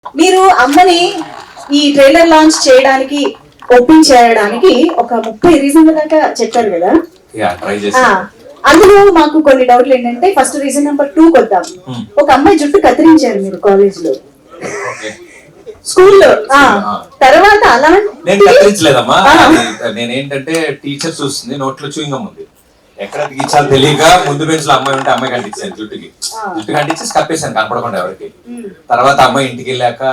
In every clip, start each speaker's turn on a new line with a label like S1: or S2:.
S1: మీరు అమ్మని ఈ ట్రైలర్ లాంచ్ చేయడానికి ఓపెన్ చేయడానికి ఒక 30 రీజన్ల దాకా చెప్పారు కదా. అందులో మాకు కొన్ని డౌట్లు ఏంటంటే, ఫస్ట్ రీజన్ నెంబర్ 2 కొద్దాం. ఒక అమ్మాయి జుట్టు కత్తిరించారు మీరు కాలేజ్ లో, స్కూల్లో. తర్వాత అలా
S2: నేను కత్తిరించలేదమ్మా. నేనేంటంటే టీచర్ చూస్తుంది, నోట్లో చూయింగం ఉంది, ఎక్కడ తీర్చాలో తెలియక ముందు బెంచ్ లో అమ్మాయి ఉంటే అమ్మాయి కంటించాను, జుట్టు కంటించేసి కప్పేసాను కనపడకుండా ఎవరికి. తర్వాత అమ్మాయి ఇంటికి వెళ్ళాక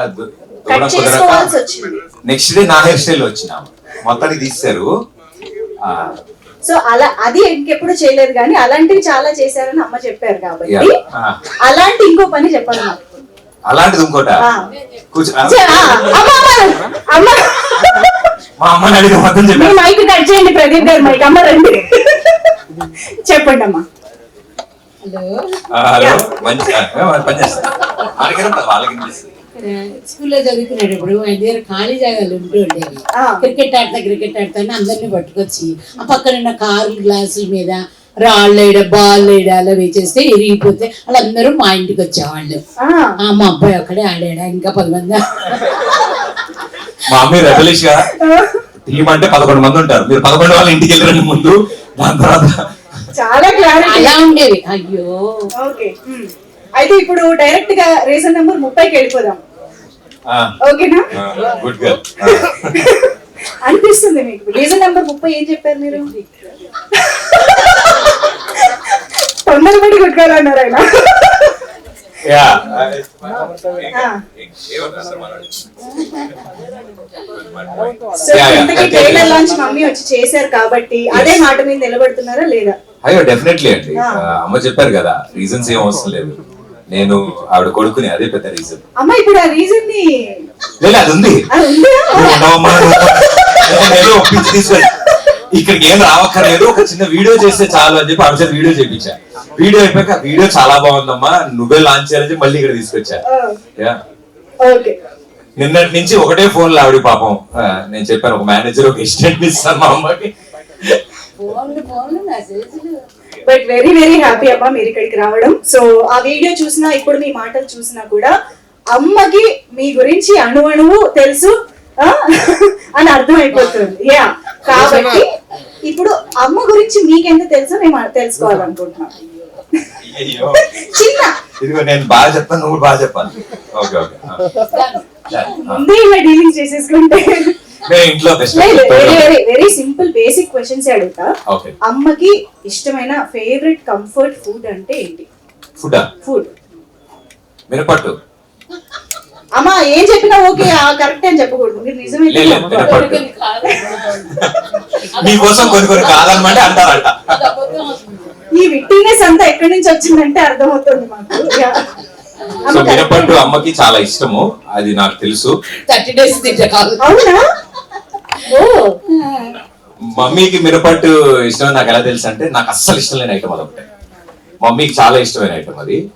S2: నెక్స్ట్ డే నా హెయిర్ స్టైల్ వచ్చిన మొత్తానికి తీశారు.
S1: సో అలా అది ఇంకెప్పుడు చేయలేదు, కానీ అలాంటివి చాలా చేశారని అమ్మ చెప్పారు కాబట్టి అలాంటి ఇంకో పని చెప్పాలి నాకు.
S2: అలాంటిది ఇంకోట మా అమ్మని అడిగి మొత్తం చెప్పారు.
S1: మైక్ కట్ చేయండి ప్రదీప్ గారు, మైక్ అమ్మ రండి చెప్పండి అమ్మా.
S2: హలో మంచి పని చేస్తాను వాళ్ళకి.
S3: స్కూల్లో చదువుకునేటప్పుడు ఆయన దగ్గర ఖాళీ జాగాలు ఉంటూ ఉండేవి. క్రికెట్ ఆడతా అందరినీ పట్టుకొచ్చి ఆ పక్కన కార్లు గ్లాసుల మీద రాళ్ళు వేయడం, బాల్ వేయడం అలా వేచేస్తే ఇరిగిపోతే వాళ్ళందరూ మా ఇంటికి వచ్చేవాళ్ళు. మా అబ్బాయి ఒక్కడే ఆడాడా, ఇంకా 10 మంది.
S2: మా అమ్మాయి రెబలిష్ గా టీం అంటే 11 మంది ఉంటారు, మీరు 11 వాళ్ళ ఇంటికి వెళ్ళండి ముందు, దాని తర్వాత
S1: చాలా క్లారిటీ
S3: అలా ఉండేవి. అయ్యో
S1: ఓకే. అయితే ఇప్పుడు డైరెక్ట్ గా రీజన్ నెంబర్ 30కి వెళ్ళిపోదాం. ఓకేనా?
S2: Good girl.
S1: అనిపిస్తుంది మీకు రీజన్ నెంబర్ 30 ఏం చెప్పారు మీరు? తొందరపడి కొట్టుకోవాలన్నారు ఆయన. ట్రైలర్ లాంచ్ మమ్మీ వచ్చి చేశారు కాబట్టి అదే మాట మీద నిలబడుతున్నారా లేదా?
S2: అయ్యో డెఫినెట్లీ అండి. అమ్మ చెప్పారు కదా, రీజన్స్ ఏం అవసరం లేదు, నేను ఆవిడ కొడుకుని, అదే పెద్ద రీజన్.
S1: అమ్మ ఇప్పుడు ఆ రీజన్ ని
S2: అది ఉంది, ఒప్పించి తీసుకొని ఇక్కడికి ఏం రావక్కర్లేదు, ఒక చిన్న వీడియో చేస్తే చాలు అని చెప్పి ఆవిడ వీడియో చేయించా. వీడియో అయిపోయాక వీడియో చాలా బాగుందమ్మా, నువ్వే లాంచ్ చేయాలని చెప్పి మళ్ళీ ఇక్కడ తీసుకొచ్చా. నిన్నటి నుంచి ఒకటే ఫోన్ లో ఆవిడ పాపం. నేను చెప్పాను ఒక మేనేజర్ ఒక అసిస్టెంట్ ఇస్తాను మా అమ్మకి.
S1: బట్ వెరీ వెరీ హ్యాపీ అమ్మా మీరు ఇక్కడికి రావడం. సో ఆ వీడియో చూసినా ఇప్పుడు మీ మాటలు చూసినా కూడా అమ్మకి మీ గురించి అణువణువు తెలుసు అని అర్థమైపోతుంది. యా, కాబట్టి ఇప్పుడు అమ్మ గురించి మీకెంత తెలుసో మేము తెలుసుకోవాలనుకుంటున్నాం. చిన్న
S2: ఇదిగో నేను బాగా చెప్తాను, నువ్వు బాగా చెప్పాలి. ఓకే ఓకే,
S1: ముందే ఇలా డీలింగ్ చేసేసుకుంటే
S2: ఇంట్లో
S1: వెరీ సింపుల్ బేసిక్ క్వశ్చన్స్ అడుగుతా. అమ్మకి ఇష్టమైన ఫేవరెట్ కంఫర్ట్ ఫుడ్ అంటే ఏంటి? ఫుడ్
S2: మినపట్టు.
S1: అమ్మా ఏం చెప్పినా ఓకే కరెక్ట్ అని చెప్పకూడదు, మీరు నిజమైతే
S2: మీకోసం కొన్ని కాదనమాట అంటారంట.
S1: ఈ విట్టినెస్ అంతా ఎక్కడి నుంచి వచ్చిందంటే అర్థమవుతుంది మాకు.
S2: సో మినపట్టు అమ్మకి చాలా ఇష్టము, అది నాకు తెలుసు.
S3: 30 days
S1: అవునా?
S2: మమ్మీకి మినపట్టు ఇష్టం నాకు ఎలా తెలుసు అంటే, నాకు అస్సలు ఇష్టం లేని ఐటమ్ అదొకటే, మమ్మీకి చాలా ఇష్టమైన ఐటమ్ అది.